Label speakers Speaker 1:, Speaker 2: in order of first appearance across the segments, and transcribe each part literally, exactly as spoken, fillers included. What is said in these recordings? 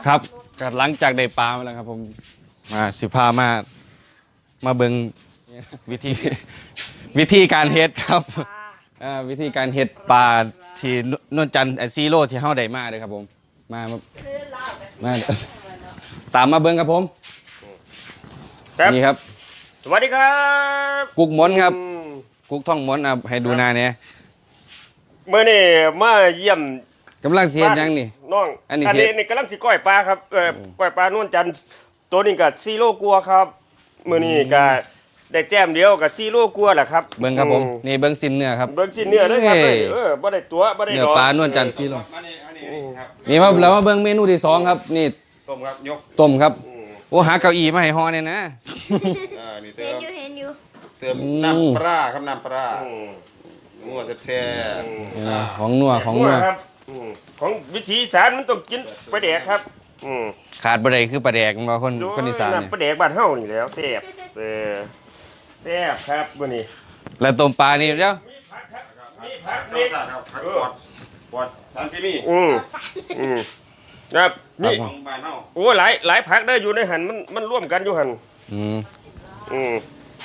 Speaker 1: ครับก็หลังจากได้ปลามาแล้วครับผมมาสิพามามาเบิงวิธีวิธีการเฮ็ดครับอ่าวิธีการเฮ็ดปลาที่นวลจันทร์ซีโร่ที่เฮาได้มาเลยครับผมมามามาตามมาเบิงครับผมนี่ครับ
Speaker 2: สวัสดีครับ
Speaker 1: กุ๊กมนครับกุ๊กท่องมนอ่ะให้ดูหน้าเนี่ย
Speaker 2: เมื่อนี่มาเยี่ยม
Speaker 1: กำลังเสียยังนี่
Speaker 2: น้อง
Speaker 1: อันนี้
Speaker 2: นี่กำลังสิก้อยปลาครับเออก้อยปลานวลจันทร์ตัวนี้ก็ซีโร่กลัวครับเมื่อนี้ก็ได้แต้มเดียวกับซีโร่กลัวแหละครับ
Speaker 1: เบิ้งครับผมนี่เบิ้งสิ้นเนื้อครับ
Speaker 2: เบิ้งชิ้นเนื้อเลยครับเออบ่ได้ตัวบ่ได้
Speaker 1: เนื้อปลานวลจันทร์ซีโร่นี่
Speaker 3: ครับ
Speaker 1: มาแล้วมาเบิ้งเมนูที่สองครับนี่
Speaker 3: ต้มครับยก
Speaker 1: ต้มครับโอ้หาเก้าอี้มาให้ฮอเนี่ยนะ
Speaker 3: อ่านี่เติ
Speaker 4: เห็น
Speaker 3: ม
Speaker 4: อยู่เห็นอยู่
Speaker 3: เติมน้ำปลาครับน้ำปลางัวแซ่บๆ
Speaker 1: ของนัวของนัว
Speaker 2: ครับของวิถีอีสานมันต้องกินปลาแดกครับ
Speaker 1: ขาดบ่ได้คือปลาแดกมาคนคนอีสานนี่
Speaker 2: ปลาแดกบ้านเฮานี่แล้วแซ่บเออแซ่บครับมื้อนี้
Speaker 1: แล้วต้มปลานี่เดี๋ยว
Speaker 2: มีผักครับมีผัก
Speaker 3: ร
Speaker 2: นี่
Speaker 3: สชาติครับผักปอดปอดทานที่นี่
Speaker 2: อืมอืมครับนี่
Speaker 3: ของบ้านเฮา
Speaker 2: โอ้หลายหลายผักได้อยู่ในหันมันมันร่วมกันอยู่หัน
Speaker 1: อืม
Speaker 2: อืม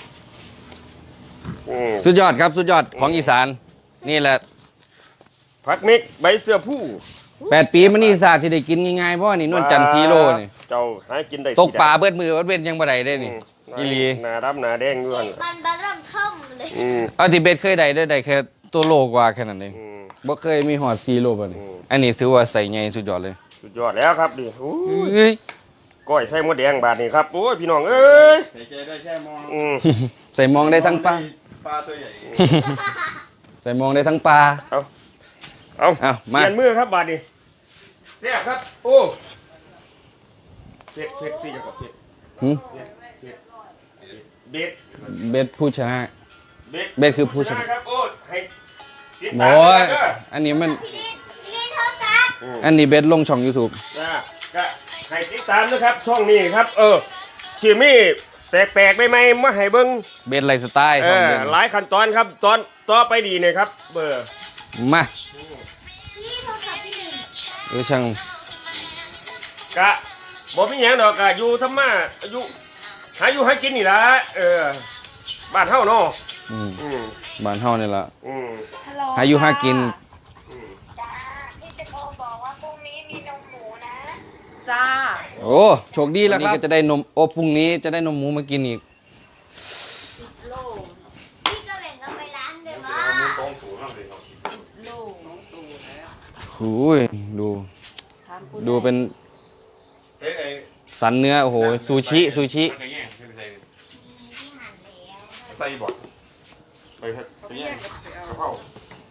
Speaker 2: อืม
Speaker 1: สุดยอดครับสุดยอดของอีสานนี่แหละ
Speaker 2: ผักเม็กใบเสื้อผู้
Speaker 1: แปดปีมันนี่ศาสตร์สิได้กินง่ายๆเพราะนี่นวลจันทร์ซีโร่นี่
Speaker 2: เจ้าหากินได้
Speaker 1: ตกปลาเบิดมือเบิดเว้นยังบ่ได้ได้นี่อีหลี
Speaker 2: หน้าดำหน้าแดงอยู่หัน
Speaker 4: มันบาเริ่มท่อมเลย
Speaker 2: อืม
Speaker 1: เอาที่เบ็ดเคยได้ได้ได้แค่ตัวโลกว่าแค่นั้นเอง
Speaker 2: อืม
Speaker 1: บ่เคยมีฮอดซีโร่บ่นี่
Speaker 2: อืม
Speaker 1: อันนี้ถือว่าใส่ใหญ่สุดยอดเลย
Speaker 2: สุดยอดแล้วครับดิโอ้ย
Speaker 1: เอ้ย
Speaker 2: ก้อยใส่หมดแดงบาดนี้ครับโอ้ยพี่น้องเอ้ย
Speaker 3: ใส่ใจได้แค่มอง
Speaker 2: อืม
Speaker 1: ใส่มองได้ทั้งปลา
Speaker 3: ปลาตัวใหญ่
Speaker 1: ใส่มองได้ทั้งปลา
Speaker 2: เอา
Speaker 1: เอา
Speaker 2: เป
Speaker 1: มา
Speaker 2: ลี่ยนมือครับบาดนี้แซ่บครับโอ้เสร็จเสร็จสิจะกดเสร็จ
Speaker 1: หึ
Speaker 2: เบ็ด
Speaker 1: เบ็ดผู้ชนะ
Speaker 2: เบ็ด
Speaker 1: เบ็ดคือผู้ชนะ
Speaker 2: ครับโอ้ยให้ติด
Speaker 1: โอ้
Speaker 2: ตาม
Speaker 1: ย
Speaker 2: เด้อ
Speaker 1: อันนี้มัน
Speaker 4: พี่ลินพี่ลินโทรศัพท์
Speaker 1: อันนี้เบ็ดลงช่อง YouTube
Speaker 2: นะก็ให้ติดตามนะครับช่องนี้ครับ เออชื่อมี่แปลกๆได้ไหมมาให้เบิ้ง
Speaker 1: เบ็ดไลฟ์สไตล์
Speaker 2: เอ
Speaker 1: ของ
Speaker 2: อ
Speaker 1: เบ็ด
Speaker 2: หลายขั้นตอนครับตอนต่อไปดีเนี่ยครับ เบอร์
Speaker 1: มา
Speaker 4: พี่โทรศัพท์พี่ลิน
Speaker 1: เออช่าง
Speaker 2: กะบ่มีหยังดอกกะอยู่ธรรมะอยู่หาอยู่ให้กินนี่ล่ะเออบ้านเฮาเนาะ
Speaker 1: อืม
Speaker 2: อืม
Speaker 1: บ้านเฮานี่ล่ะ
Speaker 2: อืม
Speaker 4: ฮัลโหล
Speaker 1: หาอยู่หากิน
Speaker 5: จ้าพี่จะโทรบอกว่าพรุ่งนี้มีนมหมูนะ
Speaker 4: จ้า
Speaker 1: โอ้โชคดีแล้วครับนี่ก็จะได้นมโอ้พรุ่งนี้จะได้นมหมูมากินอีก
Speaker 4: โลพี่ก็แบ่งกันไปร้านด้วยว่า
Speaker 3: มือตรงสูงแล้วเลยเขาฉีด
Speaker 4: โล
Speaker 1: หูยดู ดูเป็น
Speaker 3: เอ้ยไอ้
Speaker 1: สันเนื้อโอ้โหซูชิซูชิ
Speaker 3: มันก็แย่งไม่เป็นไร
Speaker 4: ที่หั่นแล้ว
Speaker 3: ใส่บอดไปครับไปแย่งเข้า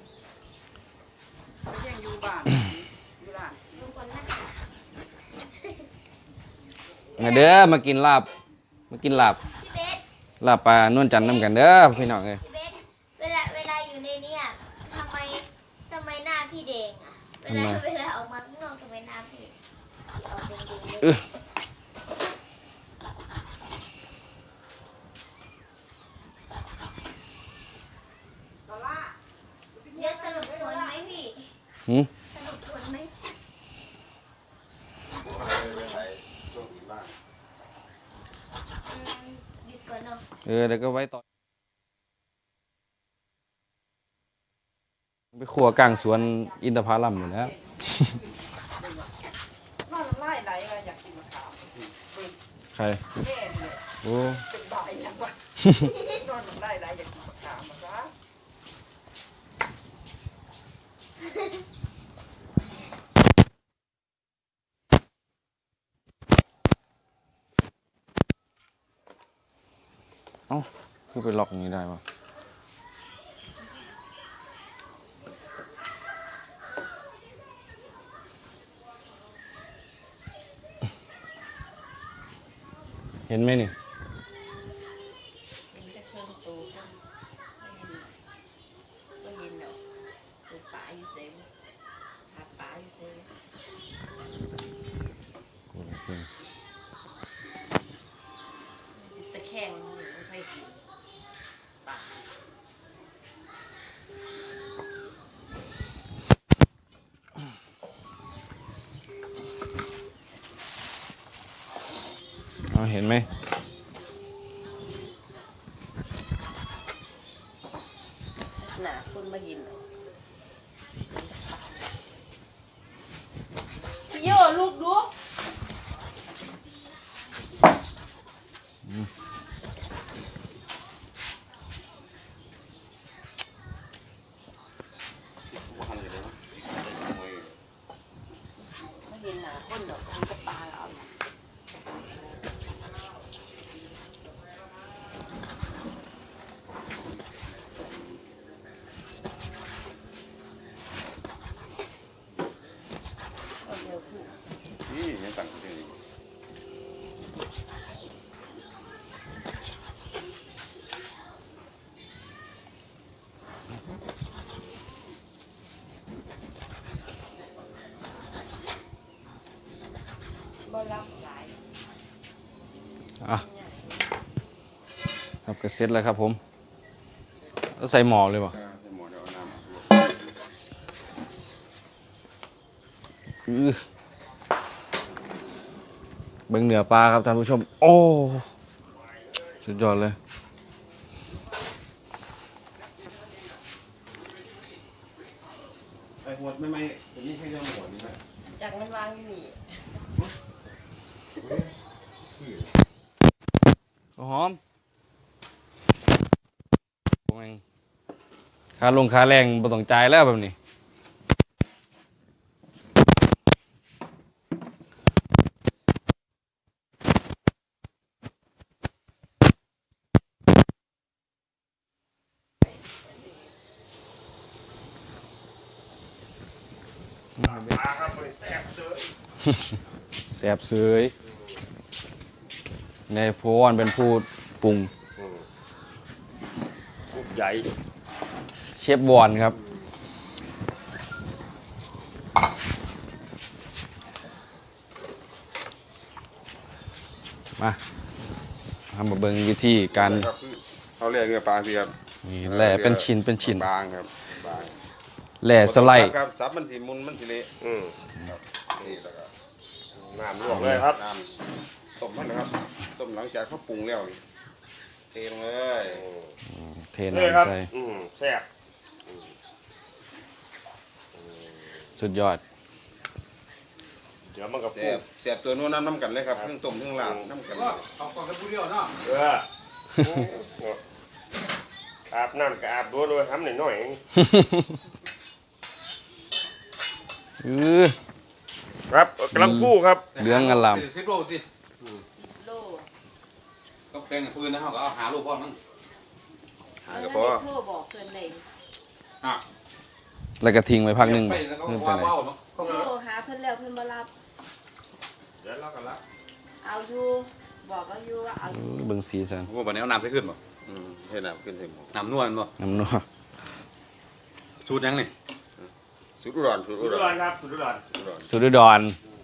Speaker 4: ลุงคนนั้น
Speaker 1: มาเด้อมากินลาบมากินลาบ
Speaker 4: พี่เบส
Speaker 1: ลาบปลานวลจันทร์น้ำกันเด้อพี่น้องเอ้ย
Speaker 4: พี่เบสเวลาเวลาอยู่ในเนี้ยทำไมทำไมหน้าพี่แดงอ่ะเวลาเวลาออกมาข้างนอกทำไมหน้าพี่ออกแดงๆเลยเดี๋ยวสรุปผลไหมพี่
Speaker 1: หืม
Speaker 4: สรุปผลไหม
Speaker 3: ไปใส่ช่วงอื่นบ้าง
Speaker 4: อืมหยุดก่อนเนาะ
Speaker 1: เออเดี๋ยวก็ไว้ต่อไปขัวกลางสวนอินทผลัมอยู่แล้ว
Speaker 6: น่าไล่ไหลอะไรอยากกินมะขาม
Speaker 1: ใคร
Speaker 6: แม่เนี่ย
Speaker 1: โอ้
Speaker 6: เป็นบ่ายยังวะนอนไล่ไหลอยากกินมะขามมาซะ
Speaker 1: เอ้าคือไปล็อกอย่างนี้ได้ปะเห็นไหมนี่
Speaker 7: เป็นแต่เครื่องตูก็ก็ยินเนาะตูป่าอยู่เซมหาป่าอยู่เซม
Speaker 1: กูละเสียง
Speaker 7: สิตะแคงไม่ค่อยกินป่า
Speaker 1: อเห็นไหม
Speaker 7: หนาคนมากินพี่โยลูกดู
Speaker 3: หันอยู่เลยนะ
Speaker 7: ไม่เห็นหนาคนหรอกมันก็ปลาเอา
Speaker 3: นี่ยังตั้งอยู่นี่
Speaker 7: บ่รับสาย
Speaker 1: อ่ะครับก็เสร็จแล้วครับผมแล้วใส่หมอเลยป่ะ
Speaker 3: ใส่หม้อเดี๋ยวเอาน้ำ
Speaker 1: อื้อเบิ่งเหนือปลาครับท่านผู้ชม โอ้สุดยอดเลย
Speaker 3: ไอ้หัวไม่ไม่ตัวนี้แค่ยังหัวนี่นะ
Speaker 7: จากมันวางอยู่นี่
Speaker 1: หอมโอ้ยค่าลงค่าแรงบ่ต้องจ่ายแล้วแบบนี้
Speaker 2: ปลาครับมันแซ่บเด้อ
Speaker 1: แสบเสยในโพวนเป็นผู้ปรุง
Speaker 2: ลูกใหญ่
Speaker 1: เชฟวอนครับ มาทำมาเบิ่งวิธีการ
Speaker 3: ครับคือเขาเรียกเนื้อปลาสิครับ
Speaker 1: นี่แหล่เป็นชิ้นเป็นชิ้น
Speaker 3: บางครับบาง
Speaker 1: แหล่สไลด์
Speaker 3: ครับซับมันสีมุนมันสีเละ
Speaker 2: อืม
Speaker 3: ครับนี่แล้วก็
Speaker 2: น้ำลวกเลยครับ
Speaker 3: น้ำต้มมันนะครับต้มหลังจากเขาปรุงแล้วนี่เทลงเลย
Speaker 1: เท
Speaker 2: เลยครับ
Speaker 1: น้ำใส่
Speaker 2: อืมแซ่บ
Speaker 1: สุดยอด
Speaker 2: เดี๋ยวมันกับ
Speaker 3: เสี
Speaker 2: ปู
Speaker 3: ยบเสียบตัวนู้นน้ำน้ำกันเลยครับเครื่องต้มเครื่องลาบน้ำกันเลย
Speaker 2: เอออาบน้ำกับอาบด้วยด้วยทำหน่อยหน่อย
Speaker 1: อือ
Speaker 2: ครับกำลังคู่ครับ
Speaker 1: เหลืองอลาม
Speaker 8: สิบโลสิ
Speaker 7: โล
Speaker 8: ก็แกงปืนนะเขาก็เอาหาลูกพ่อมั้ง
Speaker 3: หากระเพาะ
Speaker 7: โทรบอกเพื่อนเลย
Speaker 8: อ่ะ
Speaker 1: แล้วก็ทิ้งไว้พักหนึ่ง
Speaker 8: ไปแล้วก็
Speaker 1: เริ่ม
Speaker 8: ว่า
Speaker 1: จากไหน
Speaker 8: ว่าวเนาะ
Speaker 7: โทรหาเพื่อนแล้วเพื่อนมารับ
Speaker 2: เดี๋ยวเรากันละ
Speaker 7: เอาอยู่บอกเอาอยู่ว่าเอาอ
Speaker 1: เอยู่ อเบิ่งสีสัน
Speaker 8: โอ้บัดนี้เอาน้ำใส่ขึ้นบ่
Speaker 3: อืมให้น้ำขึ้นใส่หม้อ
Speaker 8: น้ำนวลบ่
Speaker 1: น้ำนัว
Speaker 8: สูตรยังนี่
Speaker 3: สุดอุดรสุด
Speaker 2: สุ
Speaker 3: อุ
Speaker 2: ด
Speaker 3: ด
Speaker 2: ยอ
Speaker 3: ร
Speaker 2: ดครับสุดยอด
Speaker 3: อุดร
Speaker 1: สุดดอน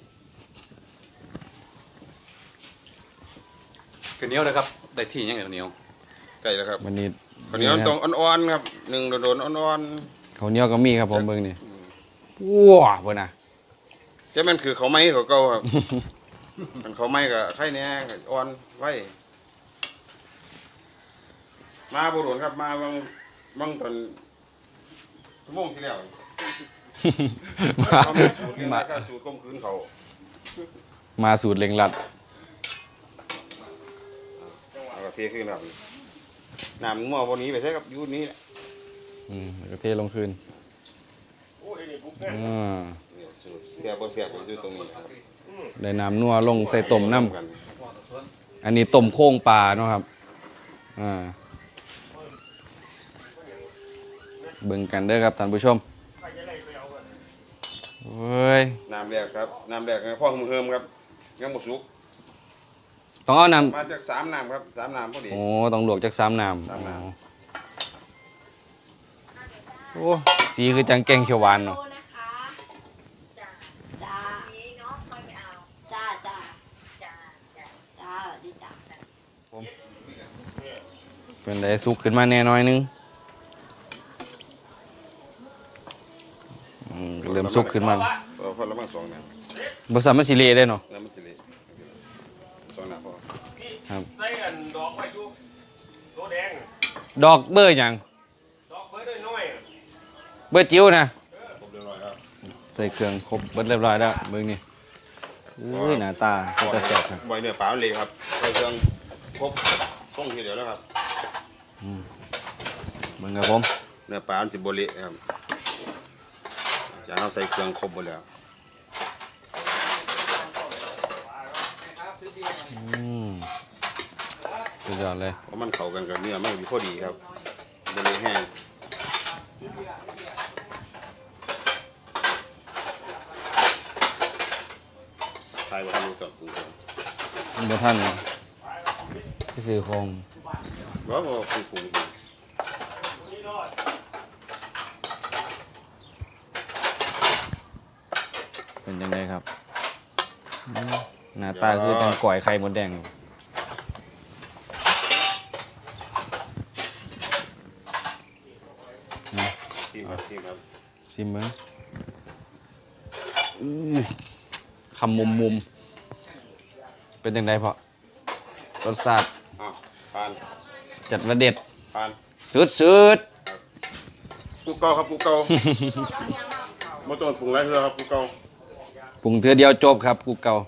Speaker 8: คือเหนียวเลยครับได้ที่ยังไงเหนียว
Speaker 3: ใกล้แล้วครับ
Speaker 1: วันนี้
Speaker 3: ข้าวเหนียวต้องอ่อนๆครับหนึ่งโดนๆอ่อน
Speaker 1: ข้าวเหนียวก็มีครับผมเบิ่งนี่ว้าวเพิ่นน่ะ
Speaker 3: ๆจะมันคือเขาวไหม้เขาเก่าครับ มันเขาวไหม้กับไข่แหน่ก็อ่อนไว้มาบุรุษครับมาบางบางตอนชั่วโมงที่แล้วเขามีสูตรเรื่อง
Speaker 1: มา
Speaker 3: การสูตรก้มคืนเขา
Speaker 1: มาสูตรเล็งลัด
Speaker 3: เอาก็เทขึ้นครับน้ำมั่ววันนี้ไปใช้กับยูนี้แหละ
Speaker 1: อืมแล้วก็เทลงคืน
Speaker 2: โอ้ยนี่ปุ๊บเนี่ย
Speaker 1: อ่า
Speaker 3: เนี่ยสูตรเสียบบ่เสียบอยู่ตรงนี้ครับ
Speaker 1: ได้น้ำนัวลงใส่ต้มน้
Speaker 3: กัน
Speaker 1: ำอันนี้ต้มโค้งปลาเนาะครับอ่าเบิ่งกันเด้อครับท่านผู้ชมเฮ้ย
Speaker 3: น้ำแรกครับน้ำแรกให้พ่อมือเฮิมครับยังบ่สุก
Speaker 1: ต้องเอาน้
Speaker 3: มาจากสามน้ำครับสามน้ำพอดี
Speaker 1: ำโอ้ต้องลวกจากสามน้
Speaker 3: สามน้ำ
Speaker 1: ำโอ้สีคือจังแกงเขียวหวานเนาะ
Speaker 7: โทรนะคะจ้าจ้า
Speaker 5: นี้เนาะค่อยไปเอา
Speaker 7: จ้าจ้า
Speaker 5: จ้าจ้า
Speaker 7: จ้าดีจ้า
Speaker 1: เป็นไดสุกขึ้นมาแน่น้อยนึงอืมเริ่มสุกขึ้นมา
Speaker 3: เออพอละมั่งสองน้ำ
Speaker 1: บริษัทมันสิเละได้เนาะ
Speaker 3: น้ำมันสิเละสองน้ำพอ
Speaker 2: พ
Speaker 1: ดอกเบอร์หยัง
Speaker 2: ดอกเบอร์น้อยๆอะ
Speaker 1: เบอร์จิ๋วนะ
Speaker 3: ผมเรียบร้อยแล้ว
Speaker 1: ใส่เครื่องครบเบิดเรียบร้อยแล้วเบิ่งนี่อุ้ยหน้าตาก็จะแซ่บครับ
Speaker 3: ใบเนื้อปลาเลยครับใส่เครื่องครบต้องทีเดียวแล้วครับ
Speaker 1: เบิ่งครับผม
Speaker 3: เนื้อปลามันสิบเละครับอยากเอาใส่เครื่องครบหมดแล้ว
Speaker 1: อืมสุดยอดเลย
Speaker 3: เพราะมันเข้ากันกับเนื้อมันอยู่พอดีครับบเละแห้งใช่ว่าทำรู้จักปรุงครับ
Speaker 1: มันบ่ท่านที่ซื้อคง
Speaker 3: ว่าว่าปรุงปรุง
Speaker 1: เป็นยังไงครับอืมหน้าตาคือจังก่อยไข่มดแดงอยู่นะ
Speaker 3: ทีมครับทีมครับ
Speaker 1: ซิมเบิ้งอื้อคำมุมมุมๆเป็นยังไงพ่อรสชาติ
Speaker 3: อ้าวผ่าน
Speaker 1: จัดระเด็ด
Speaker 3: ผ่าน
Speaker 1: สุดสุด
Speaker 3: ปูเก่าครับปูเก่าไม่ต้องปรุงอะไรเลยครับปูเก่า
Speaker 1: ปรุงเทือเดียวจบครับกูเก่า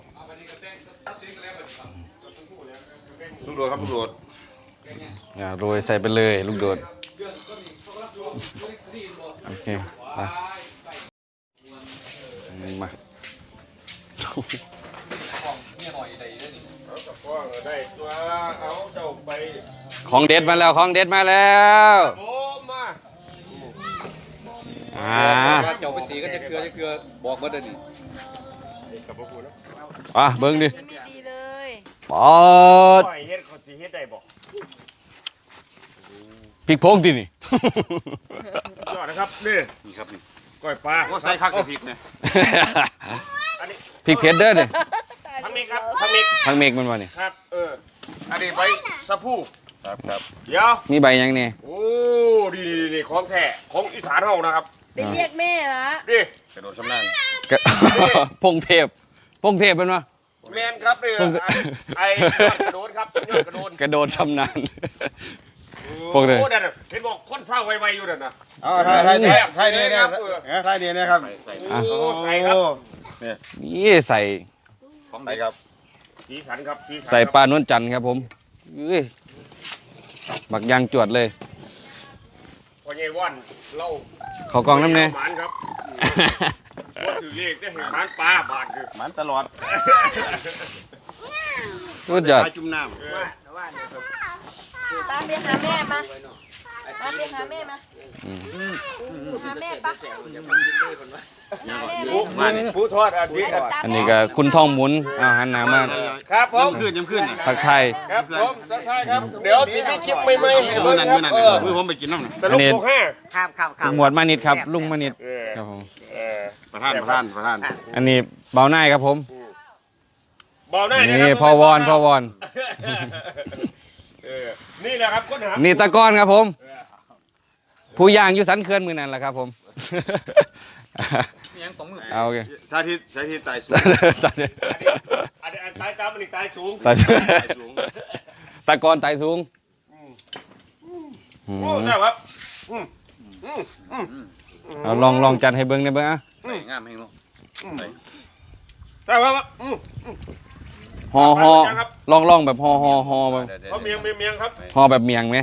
Speaker 3: ลูกโดดครับลูกโดด
Speaker 1: อ่าโรยใส่ไปเลยลูกโดดโอเคไปนี่มา
Speaker 2: ว่าได้ตัวเอาเจ้าไป
Speaker 1: ของเด็ดมาแล้วของเด็ดมาแล้ว
Speaker 2: โอ้มา
Speaker 1: อ่า
Speaker 8: เจ้าไปสีก็จะเกลือจะเกลือบอกมาเด้อนี่
Speaker 2: กับพวกคุณนะ
Speaker 1: อ่ะเบิ้งดิ
Speaker 7: ดีๆเลย
Speaker 1: ปอด
Speaker 2: ปล่อยเฮ็ดเขาสิเฮ็ดได้บ่
Speaker 1: พริกโพงดินี่
Speaker 2: ยอดนะครับนี่
Speaker 3: นี่ครับนี่
Speaker 2: ก้อยปลา
Speaker 3: ว่าใส่คักกับพริกเนี่ย
Speaker 2: อันนี้
Speaker 1: พริกเผ็ดเด้อเนี่ย
Speaker 2: ทั้งนี้ครับทั้งนี้
Speaker 1: ทั้งเมกมันวะนี่
Speaker 2: ครับเอออันนี้ใบสะพู
Speaker 3: ครับครับ
Speaker 2: เดี๋ยว
Speaker 1: มีใบยังเนี่ย
Speaker 2: โอ้ดีดีดีของแท้ของอีสานเฮานะครับ
Speaker 7: ไปเรียกแม่ละ
Speaker 2: นี่
Speaker 3: กระโดดชำนาญ
Speaker 1: กะ พงเทพพงเทพเป็นวะ
Speaker 2: แมนครับนี่
Speaker 1: ผม
Speaker 2: ไอ้ยอดกระโดดครับยอดกระโดด
Speaker 1: กระโดดชำนาญ
Speaker 2: โอ้
Speaker 1: พวกเลย
Speaker 2: โหนั่นน่ะเห็นบอกคนเศร้าไวๆอยู่นั่นน่ะ
Speaker 3: อ๋อไทยไทยเนี่ยไทยเนี่ยเนี่ยไทยเนี่ยนะครับ
Speaker 1: อ่ะ
Speaker 2: โอ้ใส่ครับ
Speaker 3: เนี่ย
Speaker 1: นี่ใส่
Speaker 3: ของไหนครับ
Speaker 2: สีสันครับสีสัน
Speaker 1: ใส่
Speaker 2: ครับ
Speaker 1: ปลานวลจันทร์ครับผมเอ้ยบักยางจวดเลย
Speaker 2: พ่อใหญ่ว่านเล่า
Speaker 1: เขากองน้ำเนี่ย
Speaker 2: หมานครับว่าถือเลขได้เห็นหมานปลาบาดคือ
Speaker 3: มันตลอด
Speaker 1: สุดยอด
Speaker 3: ปลาจุ่มน้
Speaker 7: ตามไปหาแม่มาตามไปหาแม่มาหาแม่ปะหาแม่
Speaker 2: ผู้
Speaker 7: ไหม
Speaker 2: ผู้ทอดอาทิตย์
Speaker 1: อันนี้ก็คุณท่องหมุนเอาหันหน้ามา
Speaker 2: ครับผม
Speaker 3: ำขึ้นยังขึ้น
Speaker 1: ทักทาย
Speaker 2: ครับผมทักทายครับ เดี๋ยวสิมีคลิปใหม่ๆให้
Speaker 3: มื
Speaker 2: เบิ่
Speaker 3: อง นั้น
Speaker 2: ครั
Speaker 3: มื
Speaker 2: บ
Speaker 3: อนั้น
Speaker 2: เออ
Speaker 3: มือผมไปกินน้ำน่ะ
Speaker 2: ตลกโปกห้า
Speaker 6: ครับครับครับ
Speaker 1: หมวดมานิดครับลุงมานิด
Speaker 2: เออ
Speaker 1: ครับผม
Speaker 2: เออ
Speaker 3: ประธานประธานประธาน
Speaker 1: อันนี้เบาหน้ายครับผม
Speaker 2: เบาหน้า
Speaker 1: นี่พอวอนพอวอน
Speaker 2: เออนี่แหละครับค้นหา
Speaker 1: นี่ตะกอนครับผม ผู้ย่างอยู่สันเขื่อนมือนั่นแหละครับผม
Speaker 8: ยังตรงมือ
Speaker 1: เอาโอเค
Speaker 3: สาธิตสาธิตตายสูง
Speaker 1: สัน
Speaker 2: อันนี้อันตายตามมันอีกตายสูง
Speaker 1: ตะ
Speaker 3: ตายสูง
Speaker 1: ตะกอนไตสูง
Speaker 2: โอ้ใช่ครับ
Speaker 1: เอาลองลองจัดให้เบิ้งได้เบิ้งอ่ะ
Speaker 8: ใส่งามให้เนาะ
Speaker 2: ใช่ครับอืม
Speaker 1: ห่อห่อลองลองแบบห่อห่อห่อแบบ
Speaker 2: เขาเมียงเมียงเมียงครับ
Speaker 1: ห่อแบบเมียงไหม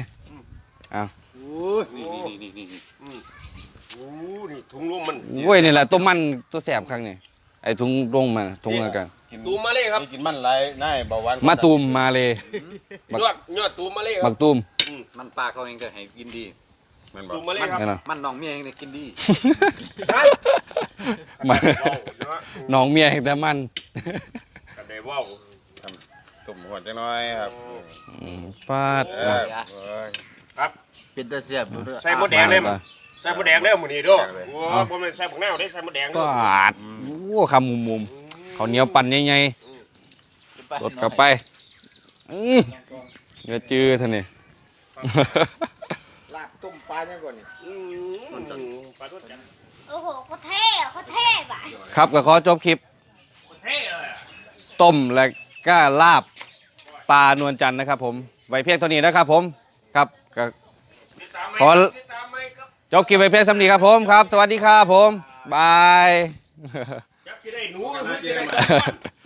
Speaker 3: นี่นี่นี่นี่นี่
Speaker 2: โอ้นี่ถุงลมมัน
Speaker 1: โอ้ยนี่แหละตัวมันตัวแสบครั้งนี้ไอ้ถุงลงมาถุงอะไรกัน
Speaker 2: ตูมมาเลยครับ
Speaker 3: นี่กินมันไรน่ายเบาหวาน
Speaker 1: มาตูมมาเลย บัก
Speaker 2: ยอดยอดตูมมาเลยค
Speaker 1: บั
Speaker 2: รับ
Speaker 1: กตูม
Speaker 8: มันปลาเขาเองก็ให้กินดี
Speaker 3: มันบอก
Speaker 2: ตูมมาเลยครับ
Speaker 1: นี่นะ
Speaker 8: มันน้องเมียเองเนี่ยกินดี
Speaker 2: ฮะ
Speaker 1: มัน
Speaker 2: ว้าวเนาะ
Speaker 1: น้องเมียแต่มัน
Speaker 2: กันได้ว้าว
Speaker 3: ตุ่มหัวจังน้อยครับ
Speaker 1: อืมฟาด
Speaker 3: เออเอ้ย
Speaker 6: เป็นตาเสียบอยู่ด้วย
Speaker 2: ใส่หมดแดงเลยมั้ยใส่หมดแดงเด้อหมื้นี้เด้อโอ้บ่แม่นใส่บักนาวได้ใส่หมดแดงเด้
Speaker 1: ฟ
Speaker 2: อ
Speaker 1: าดโอ้คำมุมมุมๆเขาวเหนียวปั่นใหญ่ๆกดเข้าไปอื้อเดี๋ยวจื้อท่านนี่
Speaker 6: ลาบต้มปลาเนี่ยก่อนนี่
Speaker 2: อืมปลาตัวจัน
Speaker 4: โอ้โหเขาเท่อะเขาเท่อะ
Speaker 1: ครับก็ขอจบคลิป
Speaker 2: เท่เลยอะ
Speaker 1: ต้มและก็ลาบปลานวลจันทร์นะครับผมไว้เพียงเท่านี้นะครับผมครับก็ขอจบคลิปไปเพียงสำนีครับผมครับ สวัสดีครับผมบาย
Speaker 2: จักสิได้หนูหรือสิได้